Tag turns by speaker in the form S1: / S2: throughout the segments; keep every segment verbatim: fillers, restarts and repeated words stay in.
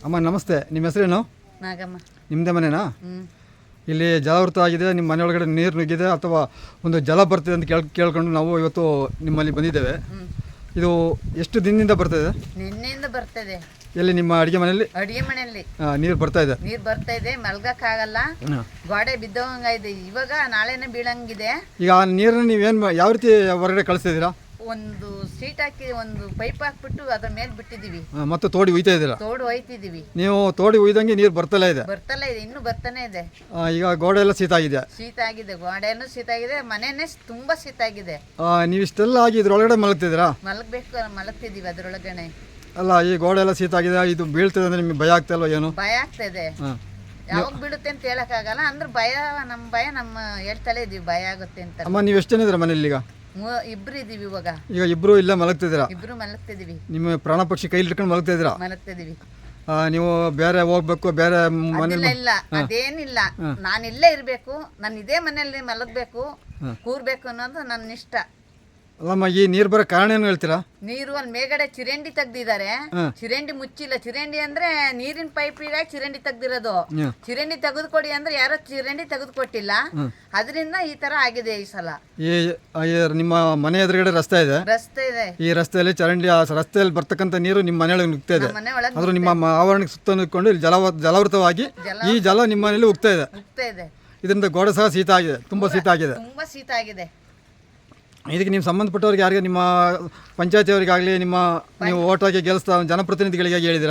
S1: ಅಮ್ಮ ನಮಸ್ತೆ, ನಿಮ್ಮ ಹೆಸರೇನು?
S2: ನಾಗಮ್ಮ.
S1: ನಿಮ್ಮದೇ ಮನೆನಾ?
S2: ಹ್ಞೂ.
S1: ಇಲ್ಲಿ ಜಲಾವೃತ ಆಗಿದೆ, ನಿಮ್ಮ ಮನೆ ಒಳಗಡೆ ನೀರು ನುಗ್ಗಿದೆ ಅಥವಾ ಒಂದು ಜಲ ಬರ್ತಿದೆ ಅಂತ ಕೇಳ್ ಕೇಳ್ಕೊಂಡು ನಾವು ಇವತ್ತು ನಿಮ್ಮಲ್ಲಿ ಬಂದಿದ್ದೇವೆ.
S2: ಹ್ಞೂ.
S1: ಇದು ಎಷ್ಟು ದಿನದಿಂದ ಬರ್ತಾಯಿದೆ?
S2: ನಿನ್ನೆಯಿಂದ ಬರ್ತದೆ.
S1: ಎಲ್ಲಿ ನಿಮ್ಮ ಅಡುಗೆ ಮನೆಯಲ್ಲಿ
S2: ಅಡುಗೆ ಮನೆಯಲ್ಲಿ
S1: ನೀರು ಬರ್ತಾ ಇದೆ?
S2: ನೀರು ಬರ್ತಾ ಇದೆ, ಮಲ್ಗಕ್ಕಾಗಲ್ಲ, ಗೋಡೆ ಬಿದ್ದೋಂಗಿದೆ. ಇವಾಗ ನಾಳೆನೇ ಬೀಳಂಗಿದೆ.
S1: ಈಗ ಆ ನೀರನ್ನು ನೀವೇನು ಯಾವ ರೀತಿ ಹೊರಗಡೆ ಕಳಿಸ್ತಿದ್ದೀರಾ?
S2: ಒಂದು ಸೀಟ್ ಹಾಕಿ ಒಂದು ಪೈಪ್ ಹಾಕ್ಬಿಟ್ಟು ಅದ್ರ ಮೇಲೆ ಬಿಟ್ಟಿದ್ದೀವಿ.
S1: ಮತ್ತು ತೋಡಿ ಒಯ್ತಾ ಇದ್ದೀರಾ?
S2: ತೋಡು ಒಯ್ತಿದ್ದೀವಿ.
S1: ನೀವು ತೋಡಿ ಒಯ್ದಂಗೆ ನೀರು ಬರ್ತಲೇ ಇದೆ?
S2: ಬರ್ತಲೇ ಇದೆ, ಇನ್ನೂ ಬರ್ತಾನೆ ಇದೆ.
S1: ಈಗ ಗೋಡೆ ಎಲ್ಲ ಶೀತ ಆಗಿದೆ?
S2: ಶೀತ ಆಗಿದೆ, ಗೋಡೆನೂ ಶೀತ ಆಗಿದೆ, ಮನೆಯೇ ತುಂಬ ಶೀತ ಆಗಿದೆ.
S1: ನೀವು ಇಷ್ಟೆಲ್ಲ ಆಗಿ ಇದ್ರೊಳಗಡೆ ಮಲಗ್ತಿದ್ದೀರಾ?
S2: ಮಲಗಬೇಕು, ಮಲಗ್ತಿದ್ದೀವಿ ಅದ್ರೊಳಗಡೆ.
S1: ಅಲ್ಲ, ಈ ಗೋಡೆ ಎಲ್ಲ ಶೀತ ಆಗಿದೆ, ಇದು ಬೀಳ್ತದೆ ಅಂದ್ರೆ ನಿಮಗೆ ಭಯ ಆಗ್ತಾ ಏನು?
S2: ಭಯ ಆಗ್ತದೆ. ಯಾವಾಗ ಬೀಳುತ್ತೆ ಅಂತ ಹೇಳಕ್ಕಾಗಲ್ಲ, ಅಂದ್ರೆ ಭಯ, ನಮ್ಮ ಭಯ ನಮ್ಮ ಹೇಳ್ತಲೇ ಇದೀವಿ, ಭಯ ಆಗುತ್ತೆ ಅಂತ.
S1: ಅಮ್ಮ, ನೀವು ಎಷ್ಟು ಜನ ಇದ್ದೀರಾ ಮನೇಲಿ ಈಗ?
S2: ಇಬ್ರು ಇದೀವಿ ಇವಾಗ.
S1: ಈಗ ಇಬ್ರು ಇಲ್ಲ ಮಲಗ್ತಿದ್ದೀರಾ?
S2: ಇಬ್ರು ಮಲಗ್ತಿದೀವಿ.
S1: ನಿಮ್ಮ ಪ್ರಾಣ ಪಕ್ಷಿ ಕೈಲಿ ಇಟ್ಕೊಂಡು ಮಲಗ್ತಿದ್ದೀರಾ?
S2: ಮಲಗ್ತಿದೀವಿ.
S1: ನೀವು ಬೇರೆ ಹೋಗ್ಬೇಕು, ಬೇರೆ ಮನೇಲಿ?
S2: ಇಲ್ಲ, ಅದೇನಿಲ್ಲ, ನಾನು ಇಲ್ಲೇ ಇರ್ಬೇಕು, ನಾನು ಇದೇ ಮನೆಯಲ್ಲಿ ಮಲಗ್ಬೇಕು, ಕೂರ್ಬೇಕು ಅನ್ನೋದು ನನ್ನ ಇಷ್ಟ.
S1: ಅಲ್ಲಮ್ಮ, ಈ ನೀರು ಬರೋ ಕಾರಣ ಏನು ಹೇಳ್ತೀರಾ?
S2: ನೀರು ಅಲ್ಲಿ ಮೇಗಡೆ ಚಿರಂಡಿ ತೆಗ್ದಿದ್ದಾರೆ, ಚಿರಂಡಿ ಮುಚ್ಚಿಲ್ಲ. ಚಿರಂಡಿ ಅಂದ್ರೆ ನೀರಿನ ಪೈಪಿಗೆ ಚಿರಂಡಿ ತೆಗ್ದಿರೋದು. ಚಿರಂಡಿ ತೆಗೆದುಕೊಡಿ ಅಂದ್ರೆ ಯಾರೋ ಚಿರಂಡಿ ತೆಗೆದುಕೊಟ್ಟಿಲ್ಲ, ಅದರಿಂದ ಈ ತರ ಆಗಿದೆ ಈ ಸಲ.
S1: ಈ ನಿಮ್ಮ ಮನೆ ಎದುರುಗಡೆ ರಸ್ತೆ ಇದೆ,
S2: ರಸ್ತೆ ಇದೆ.
S1: ಈ ರಸ್ತೆಯಲ್ಲಿ ಚರಂಡಿ, ಆ ರಸ್ತೆಯಲ್ಲಿ ಬರ್ತಕ್ಕಂಥ ನೀರು ನಿಮ್ಮ ಮನೆಯೊಳಗೆ ನುಗ್ತಾ ಇದೆ.
S2: ಮನೆ ಒಳಗೆ
S1: ಆದ್ರೂ ನಿಮ್ಮ ಆವರಣಕ್ಕೆ ಸುತ್ತ ನಿಂತ್ಕೊಂಡು ಇಲ್ಲಿ ಜಲ ಜಲಾವೃತವಾಗಿ ಈ ಜಲ ನಿಮ್ಮ ಮನೆಯಲ್ಲಿ ಉಗ್ತಾ ಇದೆ.
S2: ಉಗ್ತಾ ಇದೆ.
S1: ಇದರಿಂದ ಗೋಡೆ ಸಹ ಶೀತ ಆಗಿದೆ, ತುಂಬಾ ಶೀತ ಆಗಿದೆ.
S2: ತುಂಬಾ ಶೀತ ಆಗಿದೆ.
S1: ಇದಕ್ಕೆ ನೀವು ಸಂಬಂಧಪಟ್ಟವ್ರಿಗೆ ಯಾರಿಗೆ, ನಿಮ್ಮ ಪಂಚಾಯತಿಯವರಿಗಾಗಲಿ, ನಿಮ್ಮ ನೀವು ಓಟ್ ಹಾಕಿ ಗೆಲ್ಲಿಸ್ತಾ ಜನಪ್ರತಿನಿಧಿಗಳಿಗೆ ಹೇಳಿದಿರಾ?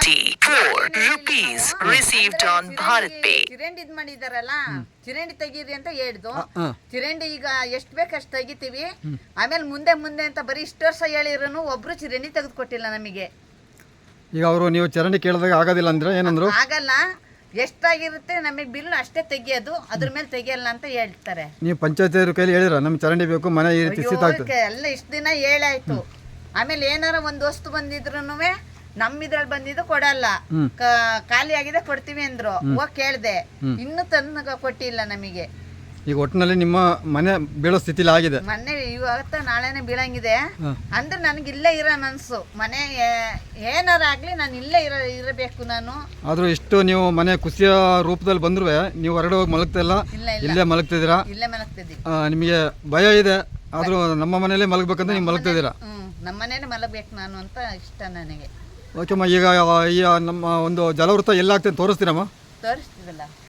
S2: ಚಿರಂಡಿ ಇದ್ ಮಾಡಿದಾರಲ್ಲ, ಚಿರಂಡಿ ತೆಗೀರಿ ಅಂತ ಹೇಳಿದ್ದು. ಚಿರಂಡಿ ಈಗ ಎಷ್ಟ್ ಬೇಕು ಅಷ್ಟು ತೆಗಿತೀವಿ. ಆಮೇಲೆ ಮುಂದೆ ಮುಂದೆ ಅಂತ ಬರೀ ಇಷ್ಟು ವರ್ಷ ಹೇಳಿರೋನು ಒಬ್ರು ಚಿರಂಡಿ ತೆಗೆದುಕೊಟ್ಟಿಲ್ಲ ನಮಗೆ.
S1: ಈಗ ಅವರು ನೀವು ಚರಂಡಿ ಕೇಳಿದಾಗ ಆಗೋದಿಲ್ಲ ಅಂದ್ರೆ ಏನಂದ್ರು?
S2: ಆಗಲ್ಲ, ಎಷ್ಟಾಗಿರುತ್ತೆ ನಮಗೆ ಬಿಲ್ ಅಷ್ಟೇ ತೆಗಿಯೋದು, ಅದ್ರ ಮೇಲೆ ತೆಗಿಯಲ್ಲ ಅಂತ ಹೇಳ್ತಾರೆ.
S1: ನೀವು ಪಂಚಾಯತ್ ಕೈಲಿ ಹೇಳಿರ ನಮ್ಗೆ ಚರಂಡಿ ಬೇಕು, ಮನೆ ಈ ರೀತಿ ಶೀತ ಆಗ್ತದೆ
S2: ಎಲ್ಲ ಇಷ್ಟು ದಿನ ಹೇಳಾಯ್ತು. ಆಮೇಲೆ ಏನಾರ ಒಂದು ವಸ್ತು ಬಂದಿದ್ರು ನಮ್ಮಿದ್ರಲ್ಲಿ ಬಂದಿದ್ದು ಕೊಡಲ್ಲ, ಖಾಲಿ ಆಗಿದೆ ಕೊಡ್ತೀವಿ ಅಂದ್ರು. ಹೋಗಿ ಕೇಳ್ದೆ, ಇನ್ನು ತಂದು ಕೊಟ್ಟಿಲ್ಲ ನಮಗೆ.
S1: ಈಗ ಒಟ್ಟಿನಲ್ಲಿ ನಿಮ್ಮ ಮನೆ ಬೀಳೋ ಸ್ಥಿತಿಲಿ ಆಗಿದೆ.
S2: ಮೊನ್ನೆ ಇವತ್ತ ನಾಳೆನೆ ಬೀಳಂಗಿದೆ ಅಂದ್ರೆ ನನಗೆ ಇಲ್ಲೇ ಇರೋ ಮನ್ಸು. ಮನೆ ಏನಾರ ಆಗ್ಲಿ ನಾನು ಇಲ್ಲೇ ಇರ ಇರಬೇಕು ನಾನು.
S1: ಆದ್ರೂ ಇಷ್ಟು ನೀವು ಮನೆ ಕುಸಿಯ ರೂಪದಲ್ಲಿ ಬಂದ್ರು ನೀವು ಹೊರಗಡೆ ಹೋಗಿ ಮಲಗ್ತಾ ಇಲ್ಲ, ಇಲ್ಲೇ ಮಲಗ್ತಿದ್ದೀರಾ?
S2: ಇಲ್ಲೇ ಮಲಗ್ತಿದ್ದೀವಿ.
S1: ನಿಮಗೆ ಭಯ ಇದೆ, ಆದ್ರೂ ನಮ್ಮ ಮನೆಯಲ್ಲೇ ಮಲಗ್ಬೇಕಂತ ನೀವು ಮಲಗ್ತಿದ್ದೀರಾ?
S2: ಹ್ಮ್, ನಮ್ಮ ಮನೇಲಿ ಮಲಗಬೇಕು ನಾನು ಅಂತ ಇಷ್ಟ ನನಗೆ.
S1: ಓಕೆಮ್ಮ, ಈಗ ಈ ನಮ್ಮ ಒಂದು ಜಲವೃತ ಎಲ್ಲಾಗ್ತದೆ ತೋರಿಸ್ತೀರಮ್ಮ?
S2: ತೋರಿಸ್ತೀವಲ್ಲ.